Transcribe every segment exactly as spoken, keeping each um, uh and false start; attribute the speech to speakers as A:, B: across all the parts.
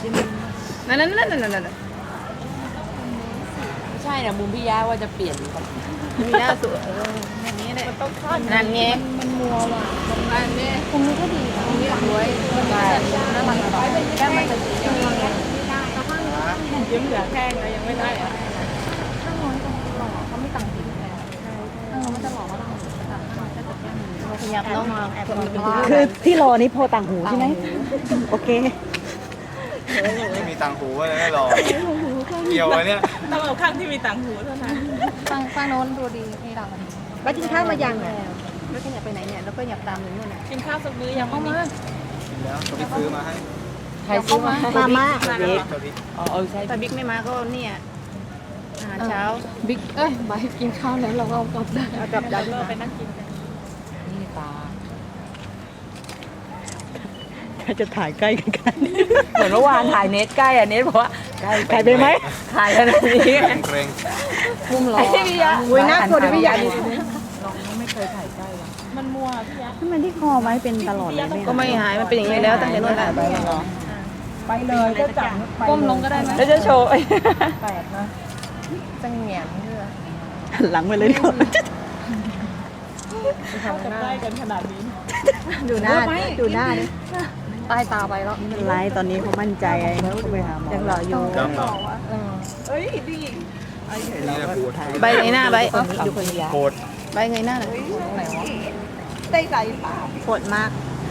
A: นั่นนั่นนั่นนั่นนั่น
B: ไม่ใช่นะมุมพี่ยะว่าจะเปลี่ยน
A: มีหน้าสวยอย่างนี้เลยนั่นไง
C: มันมัวว่ะ
A: นั่นนี่
C: มุมนี้ก็ดีนะ
A: นี่สวยน่ารักต่อแก้มมันจะสียังไงยิ้มเหลือแข้งเลยยังไม่ได้อะ
C: ข้างโน้นจะหล่อเขาไม่ต่างสีแทนเออมันจะหล่อว่าเราต่างกันแต่แก้มมัน
A: ขยับน้องมาแอบมี
D: คือที่รอนี้โพต่างหูใช่ไหมโอเค
E: ไม่มีตังหูอะไรไม่รอเกี่ยวไว้เนี่ย
A: ต้องเอาข้างที่มีต่างหูเท่านั้น
C: ข้างข้างโน้นดูดีนี่เรา
D: แล้วกินข้าวมายังอ่ะ
A: แล้วขยับไปไหนเนี่ยแล้วก็หยับตามหนูนู่นน่ะ
C: กินข้าวสักมื้อยังเข้ามา
E: กินแล้วเขาไปซื้อมาให้
B: ใครซื้อมา
D: มาม่า
E: เด็กเขาดิ
B: อ๋อเออใช่
A: ถ้าบิ๊กไม่มาก็เนี่ยอาหารเช้า
C: บิ๊กเอ้ยบายกินข้าวแล้วเราก็กลับได้
A: เอากลับดัน
C: เรา
A: มา
C: ไปนั่งกินกัน
B: นี่ตา
D: ถ้าจะถ่ายใกล้กันกัน
B: เหมือนเมื่อวานถ่ายเน็ตใกล้อะเน็ตบอกว่าใกล้
D: ถ่ายไปไหม
B: ถ่ายขนาดนี้
E: เกรง
B: มุมหล่อ
A: พี่ยะ
D: อุ้ยน่ากลัวดิพี่ใหญ่
C: มันมัวพี่ยะ
D: ทำไมที่คอไว้เป็นตลอดเลย
A: ก็ไม่หายมันเป็นอย่างนี้แล้วตั้งแต่นู้นแหละ
D: ไปเลยก็จับ
C: ก้มลงก็ได้ไหม
B: แล้วจะโชว์
C: จะเหงียนเพื่อ
D: หันหลังไปเลยดีกว่า
C: เข้ากันได้กันขนาดนี้
D: ดูหน้าดูหน้าดิ
C: ใต้ตาไปแล้ว
D: ไม่เป็นไรตอนนี้เขามั่นใจไงเขาไปหาหมอ
A: ยังหล่ออยู่
E: จำเหรอนี่แหละปวด
A: ใบไงหน้าใบดูคนยา
E: ปวด
A: ใบไงหน้าน่ะ
D: ปวดมาก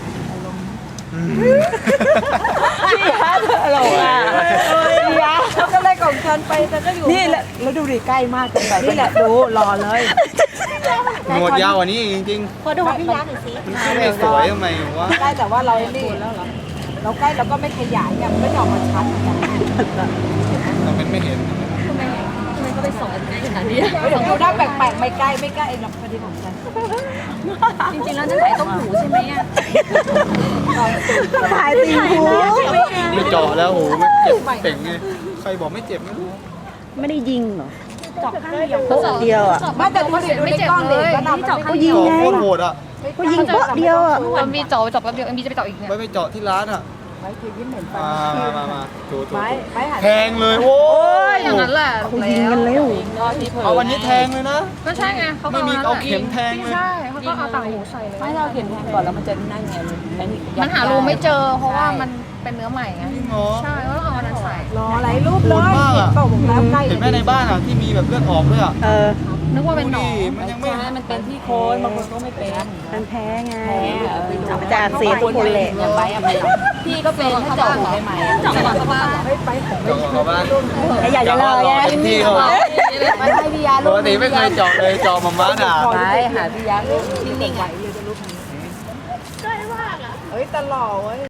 B: พี่ยะหล่ออ่ะพี่ยะเขาก็เลยของฉันไปแต่ก็อยู่นี่แหละแล้วดูดิใกล้มากเกินไปนี่แหละดูหล่อเลย
E: หนวดยาวกว่านี้จริง
C: พอดูของพี่ยักษ์หน่อยสิ
E: ๆมันไม่สวยทำไมวะ
B: ใกล้แต่ว่าเรานี่เราใกล้เราก็ไม่ขยายเนี่ยมันก็จะออกมาชัดเหมือนกัน
E: ทำเป็นไม่เห็น
C: ทำไมทำไมก็ไปสอนขนาดนี้
B: เดี๋ยวดูหน้าแปลกๆไม่ใกล้ไม่ใกล้หรอกพอดีของฉัน
C: จริงๆแล้วจะใส่ต้มหูใช่ไหมอ่ะ
D: ถ่ายติงหู
E: ไม่เจาะแล้วโหไม่เจ็บเป่งไงใครบอกไม่เจ็บไม่รู้
D: ไม่ได้ยิงเหรอ
C: เจาะข้างเดียว
D: โป๊ะเดียวอ่ะ
B: ไม่แต่ดูดิดูในกล้องดิก็นำ
C: นี่เจาะข้าง
D: ยิ
C: เดี
D: ง
C: ยว
E: เจาะ
D: ไง
E: โคตรโหดอ่ะ
D: ก็ยิงโป๊ะเดียวอ่ะ
C: เอ็มบีเจาะเจาะแป๊บเดียวเอ็มบีจะไปเจาะอีกเนี่ย
E: ไม่ไปเจาะที่ร้านอ่ะ
B: ไว้คือยิ้มเหม็นไป
E: มามามามาถูถู
B: ไม้ไม้หัน
E: แทงเลยโอ้ย
C: อย่างนั้นแหละ
D: เขายิงกันเร็ว
E: เอาวันนี้แทงเลยนะ
C: ก็ใช่ไงเขาก็
E: ไม่มีเอาเข็มแทงเลย
C: ใช่เขาก็เอาต่างหูใส่เลย
B: ไม่เราเห็นก่อนแล้วมันจะนั่งไงมัน
C: มันหารูไม่เจอเพราะว่ามันเป็นเนื้อใหม่ไง
E: จริงเหรอ
C: ใช่ก็ต้องเอาอันนั้นใส่
B: รอหลายรูปเลย
E: โหดมากอะ
B: บอกแล้วใกล้
E: เห็นไหมในบ้านอ่ะที่มีแบบเลือดออกด้วยอ่ะ
D: เออ
C: นึกว่าเป็นหนอง
E: ดูดิมันยังไม่
B: ใช่มันเป็นที่โคนบางคนก็ไม่เป็น
D: มันแพ้ไง
B: แพ้อะ
D: มันจะอักเสียทุกคนแหละ
B: เนี่ยไปอะไม่พี่ก็เป็นถ้าเจาะหูได้ไหม
C: เจาะก่อนเข้าบ้านเหรอ
E: เจาะเข้าบ้าน
D: ไอ้อยากจะรอไง
E: เต็มที่เขา
B: ไม่ให้พี่ยา
E: ปกติไม่เคยเจาะเลยเจาะมาม่าด่า
B: ไปหาพี่ยาที่นิ่งๆอ่ะ
A: เฮ้ยตลอดเว้ย